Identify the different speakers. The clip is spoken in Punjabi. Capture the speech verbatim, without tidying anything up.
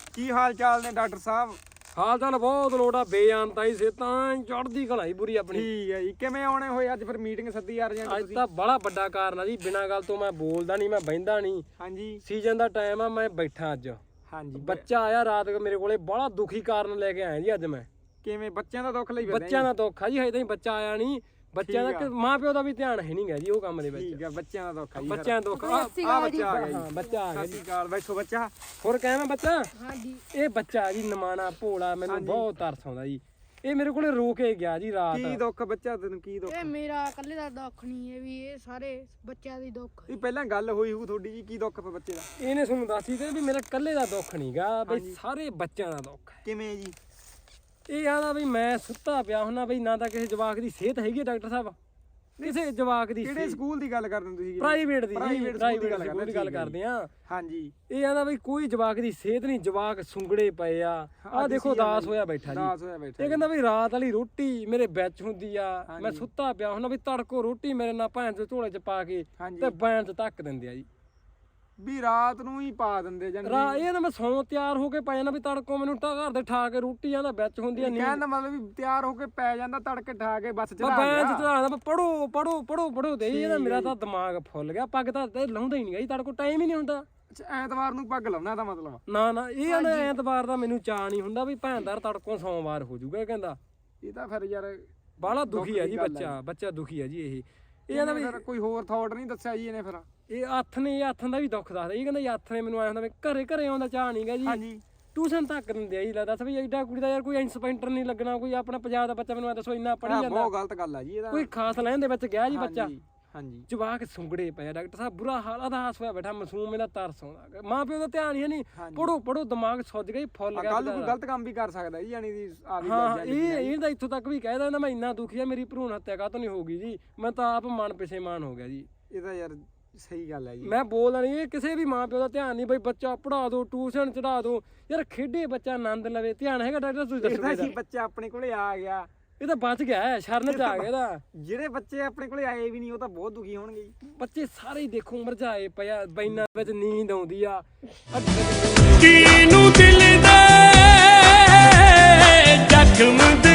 Speaker 1: ਕੀ ਹਾਲ ਚਾਲ ਨੇ ਡਾਕਟਰ ਸਾਹਿਬ?
Speaker 2: ਹਾਲ ਚਾਲ ਬਹੁਤ ਲੋੜਾ ਬੇਅੰਤ ਆਈ ਸੇ ਤਾਂ ਚੜਦੀ ਘਲਾਈ ਪੂਰੀ ਆਪਣੀ।
Speaker 1: ਠੀਕ ਹੈ ਜੀ। ਕਿਵੇਂ ਆਉਣੇ ਹੋਏ ਅੱਜ ਫਿਰ ਮੀਟਿੰਗ ਸੱਦੀ ਯਾਰ ਜਾਂ
Speaker 2: ਅੱਜ ਤਾਂ ਬੜਾ ਵੱਡਾ ਕਾਰਨ ਆ ਜੀ, ਬਿਨਾਂ ਗੱਲ ਤੋਂ ਮੈਂ ਬੋਲਦਾ ਨਹੀਂ, ਮੈਂ ਬਹਿੰਦਾ ਨਹੀਂ।
Speaker 1: ਹਾਂਜੀ
Speaker 2: ਸੀਜ਼ਨ ਦਾ ਟਾਈਮ ਆ, ਮੈਂ ਬੈਠਾ ਅੱਜ।
Speaker 1: ਹਾਂਜੀ
Speaker 2: ਬੱਚਾ ਆਇਆ ਰਾਤ ਮੇਰੇ ਕੋਲੇ, ਬੜਾ ਦੁਖੀ ਕਾਰਨ ਲੈ ਕੇ ਆਇਆ ਜੀ ਅੱਜ ਮੈਂ।
Speaker 1: ਕਿਵੇਂ ਬੱਚਿਆਂ ਦਾ ਦੁੱਖ ਲਈ ਫਿਰਦੇ?
Speaker 2: ਬੱਚਿਆਂ ਦਾ ਦੁੱਖ ਆ ਜੀ, ਹਜੇ ਤਾਈਂ ਬੱਚਾ ਆਇਆ ਨਹੀਂ। ਬੱਚਿਆਂ ਦਾ ਮਾਂ ਪਿਓ ਦਾ ਵੀ ਧਿਆਨ ਹੈ ਨਹੀਂਗਾ ਜੀ ਉਹ ਕੰਮ ਦੇ ਵਿੱਚ।
Speaker 1: ਠੀਕ ਹੈ, ਬੱਚਿਆਂ ਦਾ ਦੁੱਖ ਆ ਜੀ।
Speaker 2: ਬੱਚਿਆਂ ਦਾ ਦੁੱਖ ਆ।
Speaker 1: ਆ ਬੱਚਾ ਆ ਗਿਆ ਜੀ।
Speaker 2: ਹਾਂ ਬੱਚਾ ਆ ਗਿਆ
Speaker 1: ਸਤਿ ਸ਼੍ਰੀ ਅਕਾਲ। ਬੈਠੋ ਬੱਚਾ।
Speaker 2: ਹੋਰ ਕਹਿ ਬੱਚਾ।
Speaker 3: ਹਾਂਜੀ
Speaker 2: ਇਹ ਬੱਚਾ ਜੀ ਨਮਾਣਾ ਭੋਲਾ, ਮੈਨੂੰ ਬਹੁਤ ਤਰਸ ਆਉਂਦਾ ਜੀ। ਇਹ ਮੇਰੇ ਕੋਲੇ ਰੋ ਕੇ ਗਿਆ ਜੀ ਰਾਤ।
Speaker 1: ਕੀ ਦੁੱਖ ਬੱਚਾ ਤੈਨੂੰ? ਕੀ ਦੁੱਖ?
Speaker 3: ਇਹ ਮੇਰਾ ਇਕੱਲੇ ਦਾ ਦੁੱਖ ਨਹੀਂ, ਇਹ ਵੀ ਇਹ ਸਾਰੇ ਬੱਚਿਆਂ ਦੀ ਦੁੱਖ।
Speaker 1: ਇਹ ਪਹਿਲਾਂ ਗੱਲ ਹੋਈ ਹੋਊ ਤੁਹਾਡੀ ਜੀ, ਕੀ ਦੁੱਖ ਪਾ ਬੱਚੇ ਦਾ?
Speaker 2: ਇਹਨੇ ਤੁਹਾਨੂੰ ਦੱਸੀ ਤੇ ਵੀ ਮੇਰਾ ਇਕੱਲੇ ਦਾ ਦੁੱਖ ਨਹੀਂਗਾ ਬਈ, ਸਾਰੇ ਬੱਚਿਆਂ ਦਾ ਦੁੱਖ ਹੈ।
Speaker 1: ਕਿਵੇਂ ਜੀ?
Speaker 2: ਇਹ ਆਦਾ ਵੀ ਮੈਂ ਸੁੱਤਾ ਪਿਆ ਹੁੰਨਾ ਬਈ, ਨਾ ਤਾਂ ਕਿਸੇ ਜਵਾਕ ਦੀ ਸਿਹਤ ਹੈਗੀ ਡਾਕਟਰ ਸਾਹਿਬ, ਕਿਸੇ ਜਵਾਕ ਦੀ।
Speaker 1: ਕਿਹੜੇ ਸਕੂਲ ਦੀ ਗੱਲ ਕਰਦੇ ਤੁਸੀਂ?
Speaker 2: ਪ੍ਰਾਈਵੇਟ ਦੀ।
Speaker 1: ਪ੍ਰਾਈਵੇਟ
Speaker 2: ਸਕੂਲ ਦੀ ਗੱਲ ਕਰਦੇ ਆ।
Speaker 1: ਹਾਂਜੀ।
Speaker 2: ਇਹ ਆਂਦਾ ਬਈ ਕੋਈ ਜਵਾਕ ਦੀ ਸਿਹਤ ਨਹੀਂ, ਜਵਾਕ ਸੁੰਗੜੇ ਪਏ ਆ। ਆਹ ਦੇਖੋ ਦਾਸ ਹੋਇਆ ਬੈਠਾ ਜੀ।
Speaker 1: ਦਾਸ ਹੋਇਆ ਬੈਠਾ।
Speaker 2: ਇਹ ਕਹਿੰਦਾ ਵੀ ਰਾਤ ਵਾਲੀ ਰੋਟੀ ਮੇਰੇ ਵਿੱਚ ਹੁੰਦੀ ਆ, ਮੈਂ ਸੁੱਤਾ ਪਿਆ ਹੁੰਨਾ ਵੀ ਤੜਕੋ ਰੋਟੀ ਮੇਰੇ ਨਾਲ ਭੈਣ ਦੇ ਝੋਲੇ ਚ ਪਾ ਕੇ ਤੇ ਬੈਣ ਚ ਧੱਕ ਦਿੰਦੇ ਆ ਜੀ।
Speaker 1: ਵੀ ਰਾਤ ਨੂੰ ਹੀ ਪਾ ਦਿੰਦੇ ਜਾਂ
Speaker 2: ਰਾ ਇਹ ਨਾ ਮੈਂ ਸੌਂ ਤਿਆਰ ਹੋ ਕੇ ਪੈ ਜਾਂਦਾ ਵੀ ਤੜਕੋ ਮੈਨੂੰ ਤਾਂ ਘਰ ਦੇ ਠਾ ਕੇ ਰੋਟੀ ਆਂਦਾ ਵਿੱਚ ਹੁੰਦੀ ਆ। ਨਹੀਂ
Speaker 1: ਕਹਿਣ ਦਾ ਮਤਲਬ ਵੀ ਤਿਆਰ ਹੋ ਕੇ ਪੈ ਜਾਂਦਾ, ਤੜਕੇ ਠਾ ਕੇ ਬੱਸ ਚੜਾ
Speaker 2: ਬੈਣ ਚ ਚੜਾਉਂਦਾ ਪੜੋ ਪੜੋ ਪੜੋ ਪੜੋ ਦੇ। ਇਹਦਾ ਮੇਰਾ ਤਾਂ ਦਿਮਾਗ ਫੁੱਲ ਗਿਆ। ਪੱਗ ਤਾਂ ਲਾਉਂਦਾ ਹੀ ਨਹੀਂ ਜੀ, ਤੜਕੋ ਟਾਈਮ ਹੀ ਨਹੀਂ ਹੁੰਦਾ।
Speaker 1: ਐਤਵਾਰ ਨੂੰ ਪੱਗ ਲਾਉਣਾ ਦਾ ਮਤਲਬ?
Speaker 2: ਨਾ ਨਾ ਇਹ ਨਾ ਐਤਵਾਰ ਦਾ ਮੈਨੂੰ ਚਾਅ ਨਹੀਂ ਹੁੰਦਾ ਵੀ ਭੈਣਦਾਰ ਤੜਕੋਂ ਸੋਮਵਾਰ ਹੋ ਜਾਊਗਾ। ਇਹ ਕਹਿੰਦਾ
Speaker 1: ਇਹ ਤਾਂ ਫਿਰ ਯਾਰ
Speaker 2: ਬਾਹਲਾ ਦੁਖੀ ਆ ਜੀ ਬੱਚਾ। ਬੱਚਾ ਦੁਖੀ ਆ ਜੀ। ਇਹ ਇਹ ਕਹਿੰਦਾ ਵੀ
Speaker 1: ਕੋਈ ਹੋਰ ਥਾਟ ਨਹੀਂ ਦੱਸਿਆ ਜੀ ਇਹਨੇ? ਫਿਰ
Speaker 2: ਇਹ ਹੱਥ ਨੇ ਇਹ ਹੱਥਾਂ ਦਾ ਵੀ ਦੁੱਖ ਦੱਸਦਾ। ਇਹ ਕਹਿੰਦਾ ਹੱਥ ਨੇ ਮੈਨੂੰ ਆਇਆ ਹੁੰਦਾ ਵੀ ਘਰੇ ਘਰੇ ਆਉਂਦਾ ਚਾਹ ਨਹੀਂਗਾ ਜੀ।
Speaker 1: ਹਾਂਜੀ।
Speaker 2: ਟਿਊਸ਼ਨ ਤੱਕ ਦਿੰਦੇ ਆ ਜੀ। ਲੱਗਦਾ ਦੱਸ ਵੀ ਐਡਾ ਕੁੜੀ ਦਾ ਯਾਰ ਕੋਈ ਇੰਸਪੈਕਟਰ ਨਹੀਂ ਲੱਗਣਾ, ਕੋਈ ਆਪਣਾ ਪੰਜਾਬ ਦਾ ਬੱਚਾ ਮੈਨੂੰ ਦੱਸੋ ਇੰਨਾ ਪੜ੍ਹੀ ਜਾਂਦਾ।
Speaker 1: ਬਹੁਤ ਗਲਤ ਗੱਲ ਆ ਜੀ ਇਹਦਾ।
Speaker 2: ਕੋਈ ਖਾਸ ਲੈਣ ਦੇ ਵਿੱਚ ਗਿਆ ਜੀ ਬੱਚਾ।
Speaker 1: ਹਾਂਜੀ।
Speaker 2: ਜਵਾਕ ਸੁੰਗੜੇ ਪਏ ਡਾਕਟਰ ਸਾਹਿਬ, ਬੁਰਾ ਹਾਲ ਅਦਾਸ ਹੋਇਆ ਬੈਠਾ। ਮਾਸੂਮ ਇਹਦਾ ਤਰਸ ਆਉਂਦਾ। ਮਾਂ ਪਿਓ ਦਾ ਧਿਆਨ ਹੀ ਨਹੀਂ। ਪੜੋ ਪੜੋ ਦਿਮਾਗ ਸੁੱਜ ਗਿਆ, ਫੁੱਲ ਗਿਆ।
Speaker 1: ਗੱਲ ਕੋਈ ਗਲਤ ਕੰਮ ਵੀ ਕਰ ਸਕਦਾ ਜੀ, ਯਾਨੀ ਦੀ ਆ ਵੀ
Speaker 2: ਹਾਂ ਇਹ ਇਹਦਾ ਇੱਥੋਂ ਤੱਕ ਵੀ ਕਹਿ ਦਿੰਦਾ ਮੈਂ ਇੰਨਾ ਦੁਖੀ ਆ, ਮੇਰੀ ਭਰੂਣ ਹੱਤਿਆ ਕਾਹਤੋਂ ਨਹੀਂ ਹੋ ਗਈ ਜੀ। ਮੈਂ ਤਾਂ ਆਪ ਮਨ ਪਛੇਮਾਨ ਹੋ ਗਿਆ ਜੀ।
Speaker 1: ਇਹ ਤਾਂ ਯਾਰ ਸਹੀ ਗੱਲ ਹੈ ਜੀ।
Speaker 2: ਮੈਂ ਬੋਲਦਾ ਨਹੀਂ, ਇਹ ਕਿਸੇ ਵੀ ਮਾਂ ਪਿਓ ਦਾ ਧਿਆਨ ਨਹੀਂ ਬਈ ਬੱਚਾ ਪੜਾ ਦੋ, ਟਿਊਸ਼ਨ ਚੜਾ ਦੋ ਯਾਰ, ਖੇਡੇ ਬੱਚਾ ਆਨੰਦ ਲਵੇ। ਧਿਆਨ ਹੈਗਾ ਡਾਕਟਰ? ਤੁਸੀਂ ਦੱਸੋ।
Speaker 1: ਬੱਚਾ ਆਪਣੇ ਕੋਲੇ ਆ ਗਿਆ,
Speaker 2: ਇਹ ਤਾਂ ਬਚ ਗਿਆ, ਸ਼ਰਨ ਚ ਆ ਗਿਆ ਇਹਦਾ।
Speaker 1: ਜਿਹੜੇ ਬੱਚੇ ਆਪਣੇ ਕੋਲੇ ਆਏ ਵੀ ਨਹੀਂ ਉਹ ਤਾਂ ਬਹੁਤ ਦੁਖੀ ਹੋਣਗੇ ਜੀ।
Speaker 2: ਬੱਚੇ ਸਾਰੇ ਹੀ ਦੇਖੋ ਮਰਝਾਏ ਪਿਆ, ਬੈਨਾਂ ਵਿੱਚ ਨੀਂਦ ਆਉਂਦੀ ਆ।
Speaker 4: ਕਿਨੂੰ ਦਿਲ ਦੇ ਜ਼ਖਮ